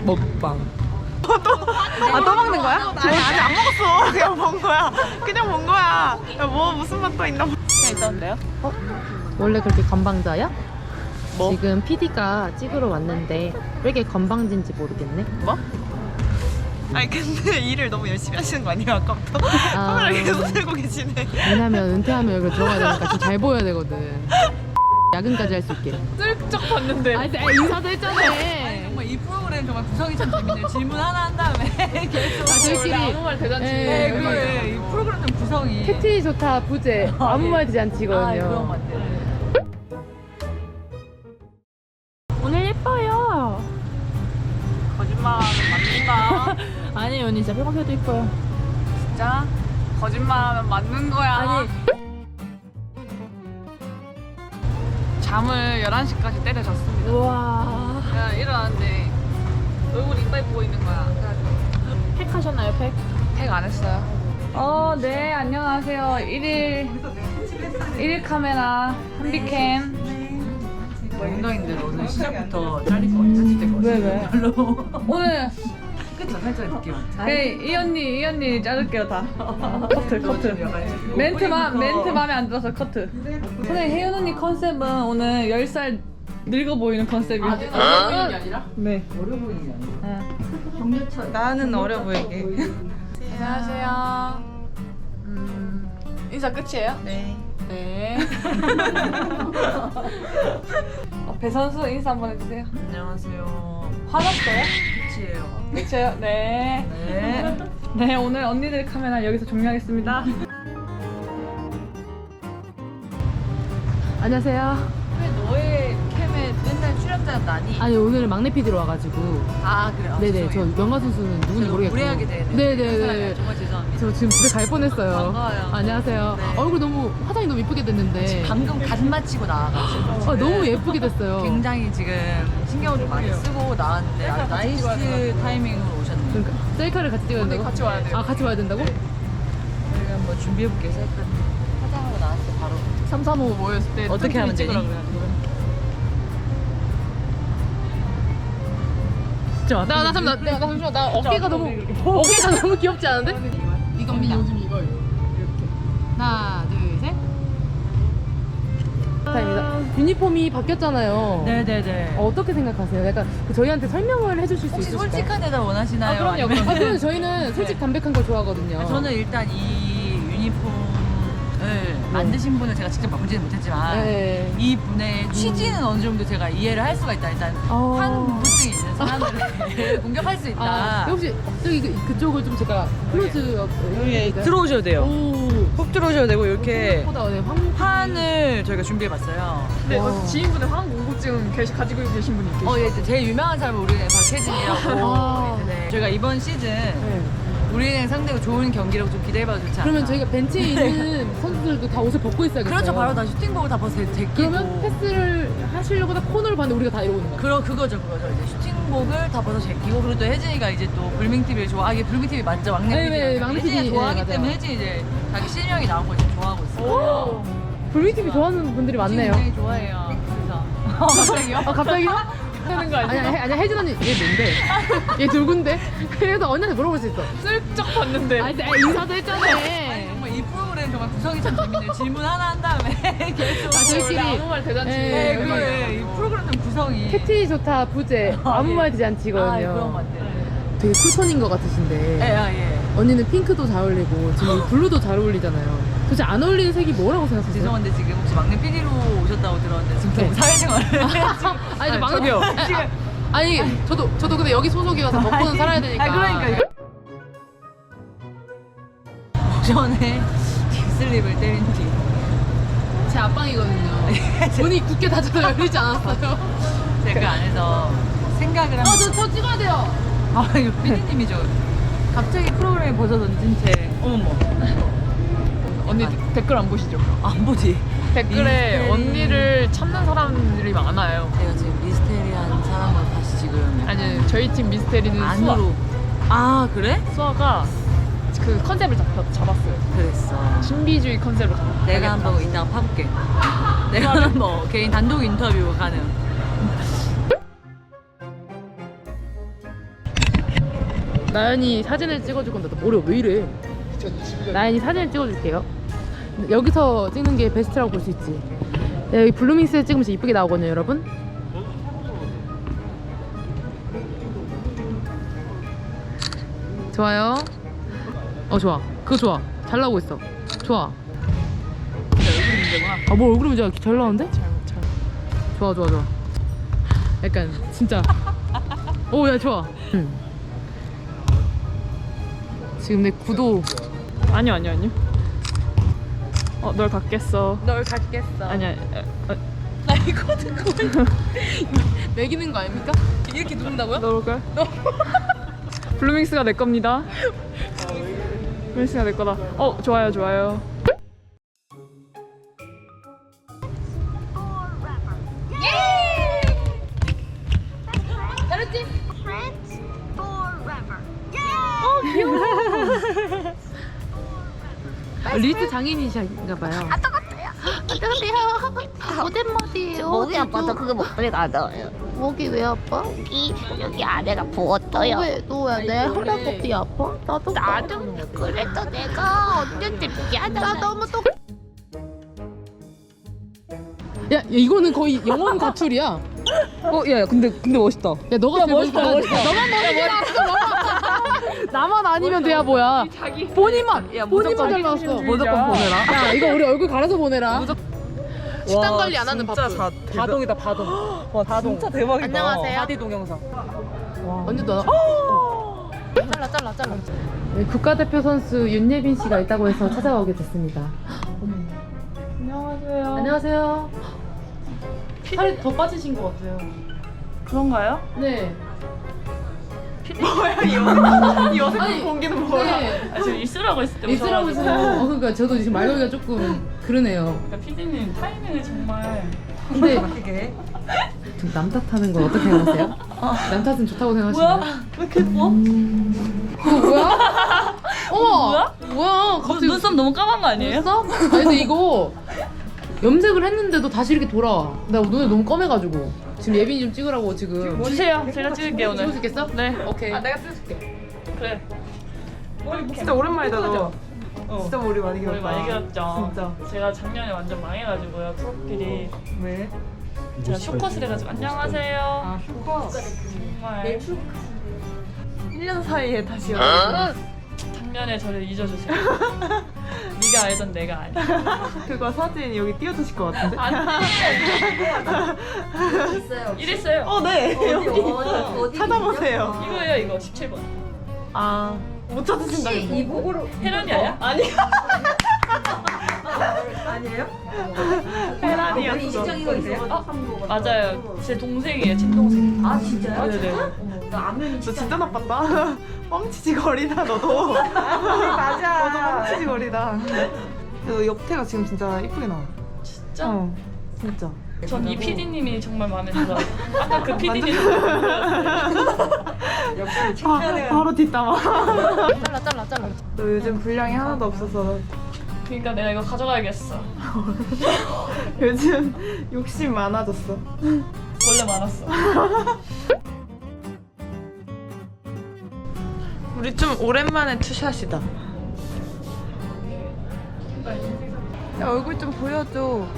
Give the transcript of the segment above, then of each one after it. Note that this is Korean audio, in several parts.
먹방. 또 먹는 거야? 아니 안 먹었어. 그냥 본 거야. 그냥 본 거야. 야, 뭐 무슨 맛도 있나? 그냥 있었는데요? 원래 그렇게 건방져요? 뭐? 지금 PD가 찍으러 왔는데 왜 이렇게 건방진지 모르겠네. 뭐? 아니 근데 일을 너무 열심히 하시는 거 아니에요 아까부터? 아. 카메라 계속 들고 계시네. 왜냐면 은퇴하면 여기 들어가야 되니까 좀 잘 보여야 되거든. 야근까지 할 수 있게. 슬쩍 봤는데. 아니 인사도 했잖아. 정말 이 프로그램 정말 구성이 참 재밌네요. 질문 하나 한 다음에 계속 저희끼리 아무 말 대잔치. 네, 그래. 이 프로그램 좀 구성이 팩트리 좋다 부재 아무 말 되지 않지거든요. 그런 것 같아요. 오늘 예뻐요. 거짓말은 맞는다. 아니 언니 진짜 평소에도 예뻐요. 진짜? 거짓말하면 맞는 거야. 아니 잠을 11시까지 때려잤습니다. 우와. 그냥 일어났는데 얼굴 이빨 보이는 거야. 그래가지고 팩 하셨나요 팩? 팩 안 했어요. 네, 안녕하세요. 1일 카메라 한비캠. 운동인들 오늘 시작부터 잘릴 것 같아. 편집될 것 같아. 왜? 별로. 오늘 그쵸? 살짝 느낌. 이 언니 자를게요 다. 커트. 멘트 마음에 안 들어서 커트. 선생님 혜연 언니 컨셉은 오늘 10살 늙어 보이는 컨셉이에요. 어려 보이는 게 아니라? 네. 어려 보이는 게 아니라. 나는 어려 보이게. 안녕하세요. 인사 끝이에요? 네. 네. 배 선수 인사 한번 해주세요. 안녕하세요. 화났어요? 끝이에요. 끝이에요? 네. 네. 네, 오늘 언니들 카메라 여기서 종료하겠습니다. 안녕하세요. 왜 너의 캠에 맨날 출연자는 나니? 아니 오늘 막내 PD로 와가지고. 아 그래요? 네네 저 명가 선수는 누군지 모르겠고. 무례하게 되네. 네네네. 정말 죄송합니다. 저 지금 집에 갈 뻔했어요. 반가워요. 안녕하세요. 네. 얼굴 너무 화장이 너무 예쁘게 됐는데. 방금 간 마치고 나와가지고 너무 예쁘게 됐어요. 굉장히 지금 신경을 좀 많이 쓰고 나왔는데 아주 나이스 타이밍으로 오셨네요. 그러니까 셀카를 같이 찍어야 된다고? 같이 와야 돼요. 아 같이 와야 된다고? 저희가 한번 준비해볼게요. 셀카 화장하고 나왔어요 바로. 335 모였을 때 어떻게 하면 되니? 나 잠시만 나 어깨가 너무 귀엽지 않은데? 이겁니다. 요즘 이거 이렇게 하나 둘셋 타입니다. 유니폼이 바뀌었잖아요. 네네네. 어떻게 생각하세요? 약간 저희한테 설명을 해주실 수 혹시 있으실까요? 솔직한 대답 원하시나요? 아니면- 그럼 저희는 솔직 담백한 걸 좋아하거든요. 저는 일단 이 유니폼을 만드신 분을 제가 직접 바꾸지는 못했지만 네. 이 분의 취지는 어느 정도 제가 이해를 할 수가 있다. 일단 환부증이 있는 사람들을 공격할 수 있다. 아, 혹시 저기 그쪽을 좀 제가 클로즈업 들어오셔도 돼요. 오. 훅 들어오셔도 되고 이렇게 생각보다 네, 판을 저희가 준비해봤어요. 네, 와. 지인분의 화학 공고증 가지고 계신 분이 계시죠? 예, 제일 유명한 사람은 우리은행 박혜진이라고. 아. 네. 저희가 이번 시즌 네. 우리은행 상대로 좋은 경기라고 좀 기대해봐도 좋지 않나. 그러면 저희가 벤치에 있는 선수들도 다 옷을 벗고 있어야겠어요. 그렇죠. 바로 다 슈팅복을 다 벗어 제끼고. 그러면 패스를 하시려고 다 코너를 봤는데 우리가 다 이러고 있는 거야. 그거죠. 이제 슈팅복을 다 벗어 제끼고 그리고 또 혜진이가 이제 또 불밍TV를 좋아. 이게 불밍TV 맞죠? 막내 네, TV. 네, 막내 혜진이가 TV. 좋아하기 네, 맞아요. 때문에 혜진이 이제 자기 실명이 나온 걸 지금 좋아하고 있어요. 불미TV 좋아하는 분들이 많네요. 굉장히 좋아해요. 그래서 갑자기요? 갑자기요? 하는 거 아니에요? 아니야 혜진 언니 얘 뭔데? 얘 누군데? 그래서 언니한테 물어볼 수 있어. 슬쩍 봤는데. 아니 인사도 했잖아. 정말 이 프로그램 정말 구성이 참 재밌네요. 질문 하나 한 다음에 계속. 저희끼리 아무 말 대잔치. 네, 그래. 이 프로그램 좀 구성이. 팩트리 좋다 부재 아무 말 되지 않지거든요. 그런 것 같아요. 되게 쿨톤인 것 같으신데 예. 언니는 핑크도 잘 어울리고 지금 이 블루도 잘 어울리잖아요. 도대체 안 어울리는 색이 뭐라고 생각하세요? 죄송한데 지금 혹시 막내 PD로 오셨다고 들었는데 지금 네. 사회생활을 아니 저 막내 저기요. 아니 저도 근데 여기 소속이어서 먹고는 살아야 되니까. 그러니까 전에 딥슬립을 때린 뒤 제 앞방이거든요. 문이 굳게 닫혀서 열리지 않았어요. 제가 그 안에서 생각을 하면 저 찍어야 돼요. 이거 PD님이죠. 갑자기 프로그램에 벗어 던진 채 어머머 언니 댓글 안 보시죠? 안 보지. 댓글에 미스테리. 언니를 찾는 사람들이 많아요. 내가 지금 미스테리한 사람으로 다시 지금 아니 저희 팀 미스테리는 안으로. 아 그래? 수아가 그 컨셉을 잡았어요. 그랬어. 신비주의 컨셉으로 잡았어요. 내가 한번 이따가 파볼게. 내가 한번 개인 단독 인터뷰 가능. 나연이 사진을 찍어줄 건데 나 머리가 왜 이래? 나연이 사진을 찍어줄게요. 여기서 찍는 게 베스트라고 볼 수 있지. 여기 블루밍스에 찍으면 진짜 이쁘게 나오거든요, 여러분. 좋아요. 좋아. 그거 좋아. 잘 나오고 있어. 좋아. 얼굴 문제구나. 뭐 얼굴 문제가 잘 나오는데? 좋아. 약간 진짜. 야 좋아. 지금 내 구도. 아니요. 널 갖겠어. 널 갖겠어. 아니야. 나 이거 듣고 매기는 거 아닙니까? 이렇게 누른다고요? 너올걸? 블루밍스가 내 겁니다. 블루밍스가 내 거다. 좋아요. 잘했지? Friends forever. 리즈 장인이신가봐요. 오랜만이에요. 목이 아파서 그거 목소리 나져요. 목이 왜 아파? 여기 아래가 부었어요. 내 허리가 아파? 나도 그래도 내가 언제쯤 미안하다. 나 너무 또 야, 이거는 거의 영혼 가출이야. 야, 근데 멋있다. 야, 너가 제일 멋있다. 너만 멋있지 않았어. 나만 아니면 돼야 뭐야. 본인만 잘 나왔어. 무조건 보내라. 야, 이거 우리 얼굴 갈아서 보내라. 식단 관리 안 하는 바쁘. 바동이다, 바동. 와, 바동. 진짜 대박이다. 안녕하세요. 바디 동영상. 언제 너? 잘라. 네, 국가대표 선수 윤예빈 씨가 있다고 해서 찾아오게 됐습니다. 안녕하세요. 살이 더 빠지신 것 같아요. 그런가요? 네. 뭐야 이 어색한 공기는 뭐야? 네. 지금 있으라고 했을 때 있으라고 해서 그러니까 저도 지금 말하기가 조금 그러네요. 그러니까 피디님 타이밍을 정말 근데 어떻게? 좀 남 탓하는 건 어떻게 생각하세요? 남 탓은 좋다고 생각하시나요? 왜 이렇게 예뻐? 이거 뭐야? 어머! 뭐야? 갑자기 눈썹 너무 까만 거 아니에요? 눈썹? 아니 근데 이거 염색을 했는데도 다시 이렇게 돌아와. 나 눈이 너무 검해가지고 지금 예빈이 좀 찍으라고 지금. 주세요. 제가 찍을게요 찍을 수 오늘. 있겠어? 네. 오케이. 내가 쓸게. 그래. 진짜 오랜만이다 너. 진짜 머리 많이 머리 길었다. 많이 길었죠. 진짜. 제가 작년에 완전 망해가지고요. 프로필이 왜? 제가 쇼컷을 해가지고 안녕하세요. 쇼컷. 정말 1년 사이에 다시 작년에 저를 잊어주세요. 네가 알던 내가 아니야. 그거 사진 여기 띄워주실 것 같은데? 이랬어요. 네. 어디 찾아보세요. 이거예요 이거 17번. 못 찾으신다. 이북으로 혜란이 아니야? 페란이었어. 맞아요. 제 동생이에요. 친동생. 아 진짜요? 네네. 나 안면이 너 진짜 나빴다. 뻥치지 거리다 너도. 맞아. 너도 뻥치지 거리다. 너 옆태가 지금 진짜 이쁘게 나와. 진짜? 진짜. 전 이 PD님이 정말 마음에 들어요. 아까 그 PD님 바로 뒷담화. 잘라. 너 요즘 분량이 하나도 없어서 그러니까 내가 이거 가져가야겠어. 요즘 욕심 많아졌어. 원래 많았어. 우리 좀 오랜만에 투샷이다. 야, 얼굴 좀 보여줘.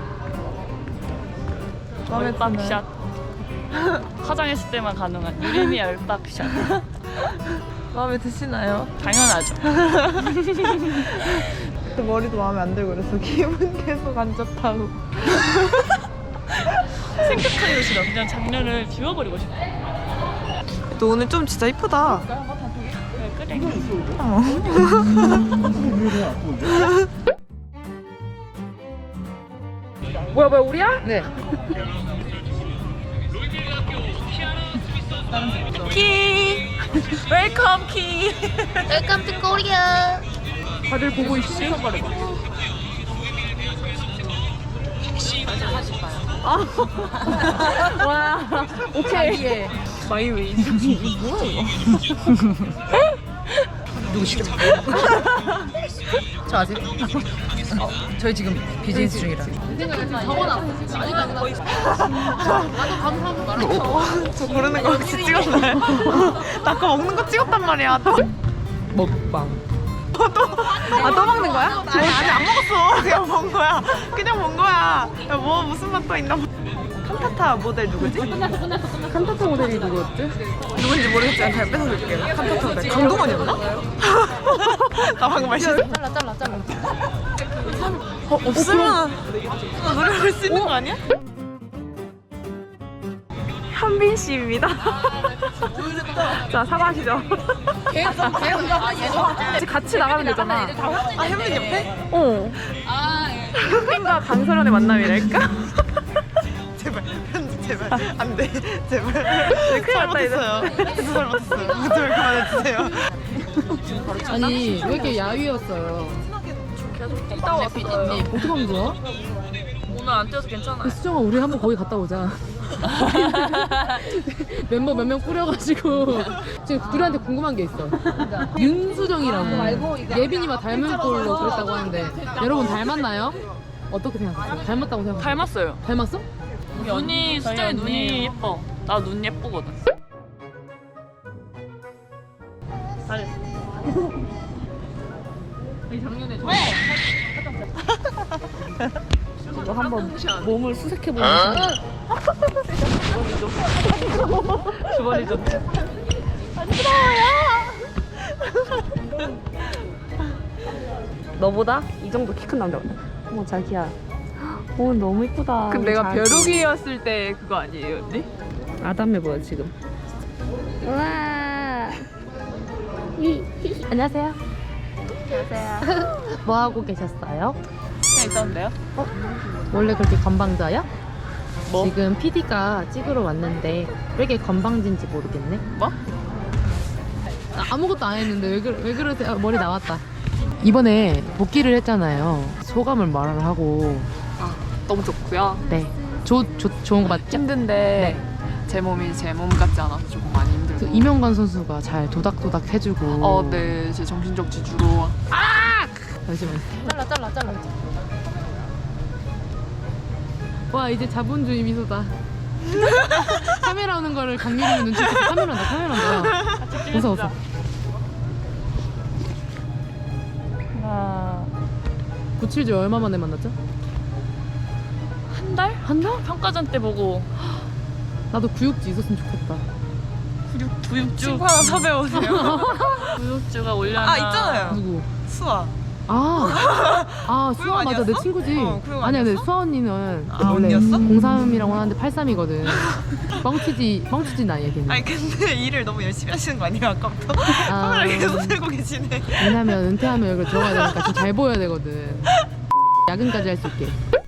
마음에 열박샷. 화장했을 때만 가능한 유리미 열박샷. 마음에 드시나요? 당연하죠. 또 머리도 마음에 안 들고 그래서 기분 계속 안 좋다고. 생각하기도 싫어. 그냥 장면을 지워버리고 싶어. 너 오늘 좀 진짜 이쁘다. 그래. 뭐야 우리야? 네. 키. 웰컴 키. 웰컴 투 코리아. 다들 보고 있어. 와. 오케이. 마이웨이. 누구 시켜? 저 아직? 저희 지금 비즈니스 중이라. 적어놨어. 아직 안 나왔어. 나도 가서 한번 말하고. 저 고르는 거 혹시 찍었나요? 나 아까 먹는 거 찍었단 말이야. 먹방. 또 먹는 거야? 아니 아직 안 먹었어. 그냥 먹은 거야. 그냥 먹은 거야. 야, 뭐 무슨 맛 또 있나? 칸타타 모델 누구지? 칸타타 모델이 누구였지? 누군지 모르겠지만 잘 뺏어줄게요. 칸타타 모델 강동원이었나? 나 방금 말실수. 잘라. 없으면 노래 부를 수 있는 거 아니야? 현빈 씨입니다. 자 사과하시죠. 같이 나가면 되잖아. 아 현빈 옆에? 어. 현빈과 강설원의 만남이랄까? 제발 편집 제발 안돼 제발. 네, 큰일 났다 이제. 잘못했어요. 제발 그만해주세요. 아니 왜 이렇게 야위였어요? 이따 왔어요. 어떻게 하면 좋아? 오늘 안 뛰어서 괜찮아요. 수정아 우리 한번 거기 갔다 오자. 멤버 몇 명 꾸려가지고 지금 둘한테 궁금한 게 있어. 윤수정이라고 예빈이와 닮은 꼴로 그랬다고 하는데 여러분 닮았나요? 어떻게 생각하세요? 닮았다고 생각하세요? 닮았어요. 닮았어? 눈이 수정이 눈이 예뻐. 나 눈 예쁘거든. 이거 한번 몸을 수색해보는 주머니죠. 너보다 이 정도 키 큰 남자 같아. 어머 자기야. 오 너무 이쁘다. 근데 내가 벼룩이었을 때 그거 아니에요, 언니? 아담해 보여 지금. 우와. 안녕하세요. 뭐 하고 계셨어요? 그냥 있었는데요? 원래 그렇게 건방져요? 뭐? 지금 PD가 찍으러 왔는데 왜 이렇게 건방진지 모르겠네. 뭐? 아무것도 안 했는데 왜 그러세요? 아, 머리 나왔다. 이번에 복귀를 했잖아요. 소감을 말을 하고. 너무 좋고요. 네. 좋은 거 맞죠? 힘든데 제 몸이 제 몸 같지 않아서 조금 많이 그 힘들고. 이명관 선수가 잘 도닥도닥 해주고. 네, 제 정신적 지주로. 잠시만. 잘라. 와 이제 자본주의 미소다. 카메라 오는 거를 강민이 눈치채고 카메라 온다. 웃어. 하나. 97주 얼마 만에 만났죠? 한 달? 한 달? 평가전 때 보고 나도 구육지 있었으면 좋겠다. 구육주. 친구 하나 섭외오세요. 구육주가 올려나. 아 있잖아요. 누구? 수아. 수아 구육 맞아 내 아니었어? 친구지. 구육 아니야 근데 아니었어? 수아 언니는 아, 원래 언니였어? 03이라고 하는데 83이거든. 뻥치지 나이야 걔는. 아니 근데 일을 너무 열심히 하시는 거 아니에요 아까부터? 카메라 계속 들고 계시네. 왜냐면 은퇴하면 여기 들어가야 되니까 좀 잘 보여야 되거든. 야근까지 할 수 있게.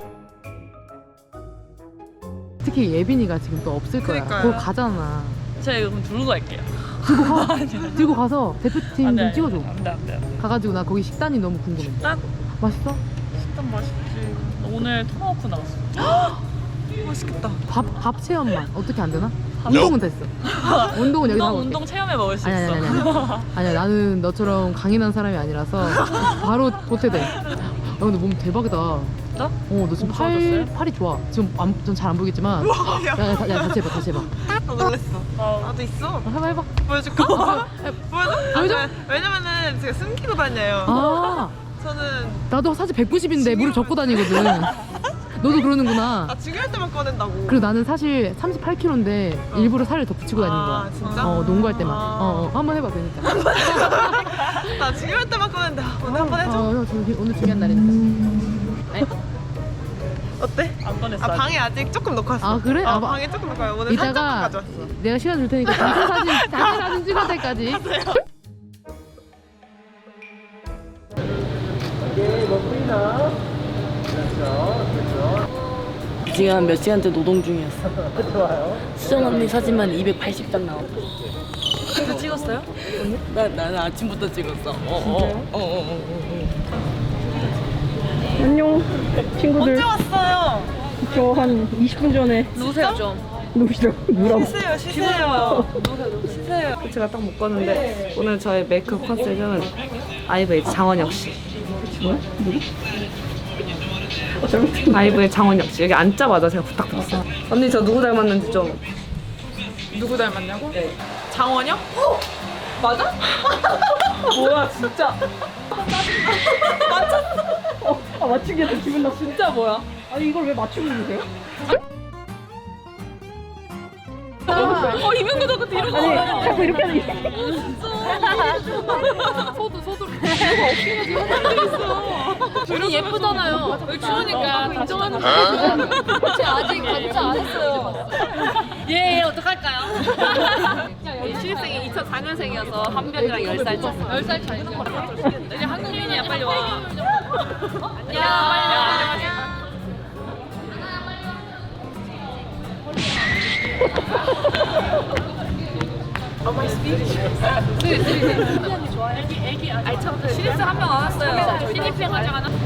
특히 예빈이가 지금 또 없을 거야. 그러니까요. 거기 가잖아. 제가 이거 그럼 들고 갈게요. 들고 가서 대표팀 안 좀 돼, 찍어줘. 안 돼. 가가지고 나 거기 식단이 너무 궁금해. 식단? 맛있어? 식단 맛있지. 오늘 토마호크 나왔어. 맛있겠다. 밥 체험만 어떻게 안 되나? 운동은 됐어. 운동은 여기서 하고 올게. 운동 체험해 먹을 수 아니야, 있어. 아니야 나는 너처럼 강인한 사람이 아니라서 바로 보태돼. 야 근데 몸 대박이다. 나? 너 지금 몸 좋아졌어요? 팔이 좋아. 지금 좀 잘 안 보이겠지만. 야, 야 다시 해봐. 나 놀랬어. 나도 있어. 해봐. 보여줄까? 보여줘? 보여줘? 왜냐면은 제가 숨기고 다녀요. 아 저는 나도 사실 190인데 무릎 접고 다니거든. 너도 그러는구나. 중요할 때만 꺼낸다고. 그리고 나는 사실 38kg인데 일부러 살을 더 붙이고 다니는 거야. 진짜? 농구할 때만. 한번 해봐 그러니까. 나 중요할 때만 꺼낸다. 오늘 한번 해줘. 오늘 중요한 날이니까. 어때? 안 꺼냈어. 방에 아직 조금 놓고 왔어. 아, 그래? 방에 조금 놓고 왔어. 오늘 살짝만 이따가 가져왔어. 내가 시간 줄 테니까 단체 사진 찍을 때까지. 지금 한 몇 시간째 노동 중이었어. 좋아요. 수정 언니 사진만 280장 나왔어. 그래서 찍었어요? 나는 아침부터 찍었어. 안녕 친구들. 언제 왔어요? 저 한 20분 전에 누구세요 좀? 누구라고 쉬세요. 제가 딱 묶었는데 오늘 저의 메이크업 컨셉은 아이브의 장원혁 씨. 뭐야? 누구? 아이브의 장원혁 씨. 여기 앉자마자 제가 부탁드렸어요. 언니 저 누구 닮았는지 좀. 누구 닮았냐고? 장원영? 맞아? 뭐야 진짜. 맞췄어. 아 맞추기 해서 기분 나. 진짜 뭐야? 아니 이걸 왜 맞추고 있으세요? 이명규 덕후 뒤로 가. 아니 자꾸 이렇게 하는 게. 둘이 예쁘잖아요. 추우니까 인정하는 거. 그치 아직 반차 안 했어요. 예, 어떡할까요? 신입생이 2004년생이어서 한 명이랑 10살 차. 10살 차이. 이제 한국인이야, 빨리 와. 안녕, 빨리 와. 아니 참 신입생 한 명 안 왔어요. 신입생 화장 하나.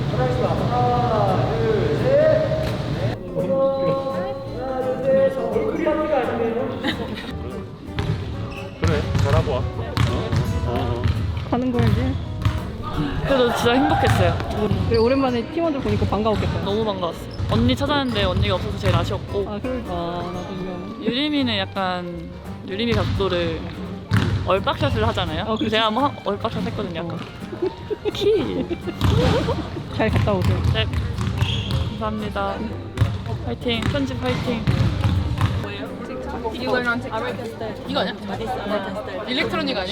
그래 잘하고 와. 가는 거야지. 그래도 진짜 행복했어요. 그래 오랜만에 팀원들 보니까 반가웠겠다. 너무 반가웠어. 언니 찾았는데 언니가 없어서 제일 아쉬웠고 아 그러니까 나도 이거. 유리미는 약간 유리미 각도를 얼박샷을 하잖아요. 그치. 제가 한번 얼박샷 했거든요. 약간 키. 잘 갔다 오세요. 네. 감사합니다. 파이팅. 편집 파이팅. 이거 아니야? 일렉트로닉 아니야?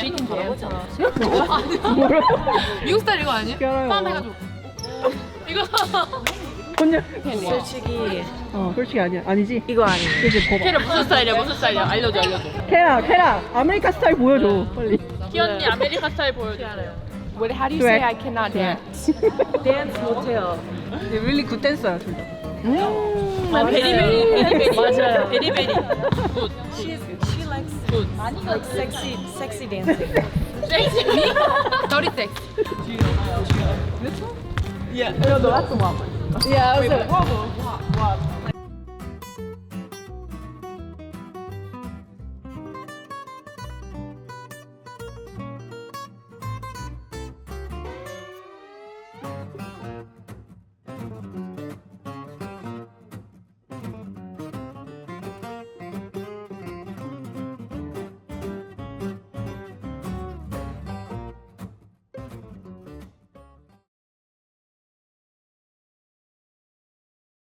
미국 스타일 이거 아니야? 알아요. 포함해가지고 이거 혼자. 솔직히 솔직히 아니야. 아니지? 이거 아니에요. 이제 봐봐. 캐라 무슨 스타일이야? 무슨 스타일이야? 알려줘. 캐라 아메리카 스타일 보여줘 빨리. 희언니 아메리카 스타일 보여줘. What how do you Swag. say I cannot dance? Dance 못해요. really good 댄서야 둘 다. 베리베리. 맞아요. 베리베리. She likes good. Like sexy dancing. 더리 섹스. Yeah, that's the one. Yeah, I was like,